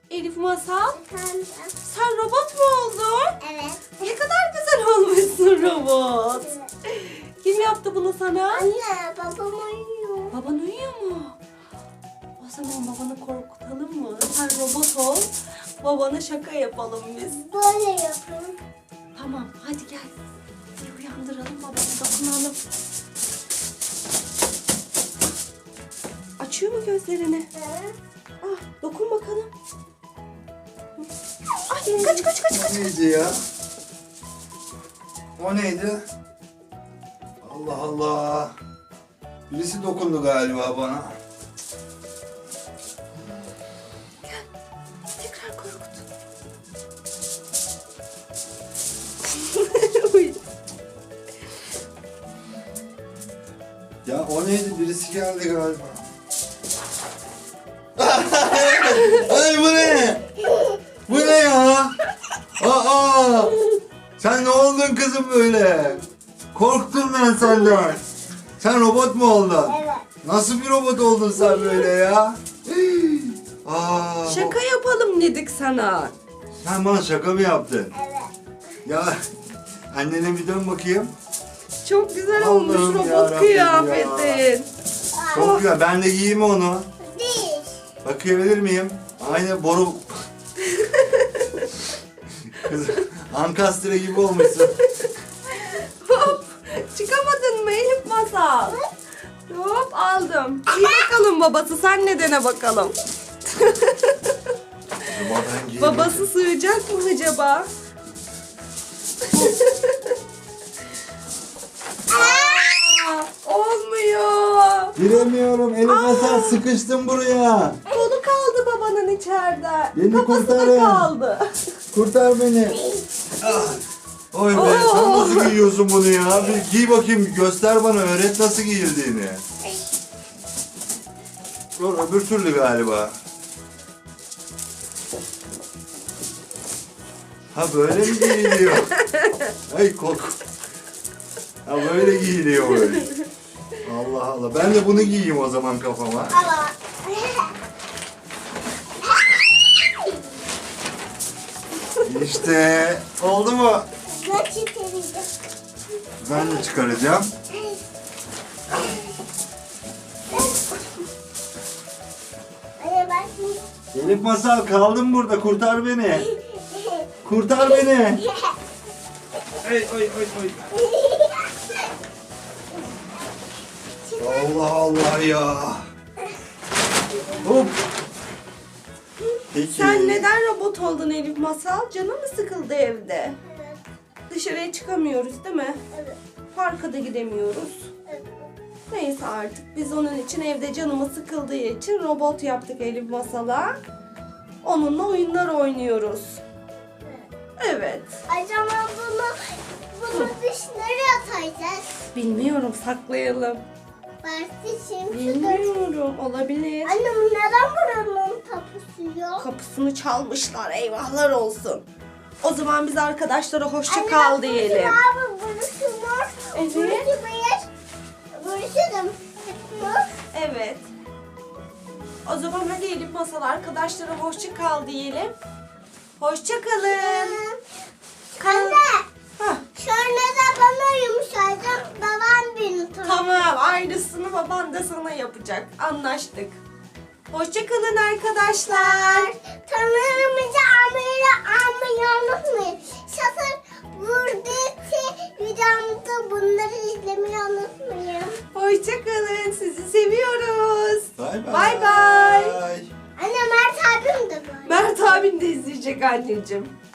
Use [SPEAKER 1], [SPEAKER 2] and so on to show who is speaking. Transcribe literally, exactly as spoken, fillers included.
[SPEAKER 1] Elif Masal,
[SPEAKER 2] Efendim?
[SPEAKER 1] sen robot mu oldun?
[SPEAKER 2] Evet.
[SPEAKER 1] Ne kadar güzel olmuşsun robot.
[SPEAKER 2] Evet.
[SPEAKER 1] Kim yaptı bunu sana?
[SPEAKER 2] Anne, babam uyuyor.
[SPEAKER 1] Baban uyuyor mu? O zaman babanı korkutalım mı? Sen robot ol, babana şaka yapalım biz.
[SPEAKER 2] Böyle yapın.
[SPEAKER 1] Tamam, hadi gel. Bir uyandıralım, babanı dokunalım. Açıyor mu gözlerini?
[SPEAKER 2] Evet.
[SPEAKER 1] Ah, dokun bakalım. Ay, kaç kaç kaç kaç.
[SPEAKER 3] O neydi ya? O neydi? Allah Allah. Birisi dokundu galiba bana.
[SPEAKER 1] Tekrar korkut. Uy.
[SPEAKER 3] Ya o neydi? Birisi geldi galiba. Ay bu ne? Bu ne ya? Aa! Sen ne oldun kızım böyle? Korktum ben senden. Sen robot mu oldun?
[SPEAKER 2] Evet.
[SPEAKER 3] Nasıl bir robot oldun sen böyle ya? Aa,
[SPEAKER 1] Şaka yapalım dedik sana.
[SPEAKER 3] sen bana şaka mı yaptın?
[SPEAKER 2] Evet.
[SPEAKER 3] Ya annene bir dön bakayım.
[SPEAKER 1] Çok güzel
[SPEAKER 3] Allah'ım
[SPEAKER 1] olmuş robot
[SPEAKER 3] yarabbim
[SPEAKER 1] kıyafetin.
[SPEAKER 3] Çok güzel. Ben de giyeyim onu.
[SPEAKER 2] Değil.
[SPEAKER 3] Bakabilir miyim? Aynı boru... Kız, Ankastre gibi olmuşsun.
[SPEAKER 1] Hop, çıkamadın mı Elif Masal? Hop, aldım. İyi bakalım babası, sen ne dene bakalım.
[SPEAKER 3] Acaba ben giyeyim.
[SPEAKER 1] Babası sığacak mı acaba? Aa, olmuyor.
[SPEAKER 3] Giremiyorum. Elim masal sıkıştım buraya.
[SPEAKER 1] Kolu kaldı babanın içeride.
[SPEAKER 3] Beni
[SPEAKER 1] Kafası da
[SPEAKER 3] kurtarın.
[SPEAKER 1] kaldı.
[SPEAKER 3] Kurtar beni. Ah. Oy be,
[SPEAKER 1] Oo.
[SPEAKER 3] sen nasıl giyiyorsun bunu ya? Bir giy bakayım, göster bana, öğret nasıl giyildiğini. Dur, öbür türlü galiba. Ha böyle mi giyiliyor? Ay kork. Ha böyle giyiliyor böyle. Allah Allah. Ben de bunu giyeyim o zaman kafama.
[SPEAKER 2] Ama.
[SPEAKER 3] İşte oldu mu?
[SPEAKER 2] Nasıl çıkaracağım?
[SPEAKER 3] Ben de çıkaracağım.
[SPEAKER 2] Anne bak.
[SPEAKER 3] Elif Masal kaldım burada. Kurtar beni. Kurtar beni. Ay ay ay ay. Allah Allah ya. Hop. Peki.
[SPEAKER 1] Sen neden robot oldun Elif Masal? Canın mı sıkıldı evde?
[SPEAKER 2] Evet.
[SPEAKER 1] Dışarıya çıkamıyoruz değil mi?
[SPEAKER 2] Evet.
[SPEAKER 1] Parka da gidemiyoruz.
[SPEAKER 2] Evet.
[SPEAKER 1] Neyse artık biz onun için evde canımız sıkıldığı için robot yaptık Elif Masal'a. Onunla oyunlar oynuyoruz. Evet.
[SPEAKER 2] Acaba bunu, bunu biz nereye atacağız?
[SPEAKER 1] Bilmiyorum, saklayalım.
[SPEAKER 2] Belki şimdi.
[SPEAKER 1] Bilmiyorum, olabilir.
[SPEAKER 2] Anne bu neden buranın tapusu yok?
[SPEAKER 1] Kapısını çalmışlar, eyvahlar olsun. O zaman biz arkadaşlara hoşça
[SPEAKER 2] Anne,
[SPEAKER 1] kal
[SPEAKER 2] bak,
[SPEAKER 1] diyelim.
[SPEAKER 2] Abi burası mor.
[SPEAKER 1] Evet.
[SPEAKER 2] Burası beyaz. Burası da mor.
[SPEAKER 1] Evet. O zaman hadi Elif Masal arkadaşlara hoşça kal diyelim. Hoşça kalın.
[SPEAKER 2] Anne.
[SPEAKER 1] Hah,
[SPEAKER 2] Şöyle de bana yumuşayacak. Babam beni tanıyor.
[SPEAKER 1] tamam, aynısını baban da sana yapacak. Anlaştık. Hoşça kalın arkadaşlar.
[SPEAKER 2] Tanrımızı almayı almayı unutmayın. Şoför buradaki videomda bunları izlemeyi unutmayın.
[SPEAKER 1] Hoşça kalın. Sizi seviyoruz.
[SPEAKER 3] Bay bay.
[SPEAKER 1] Bay bay.
[SPEAKER 2] Anne Mert abim de böyle.
[SPEAKER 1] Mert abin de izleyecek anneciğim.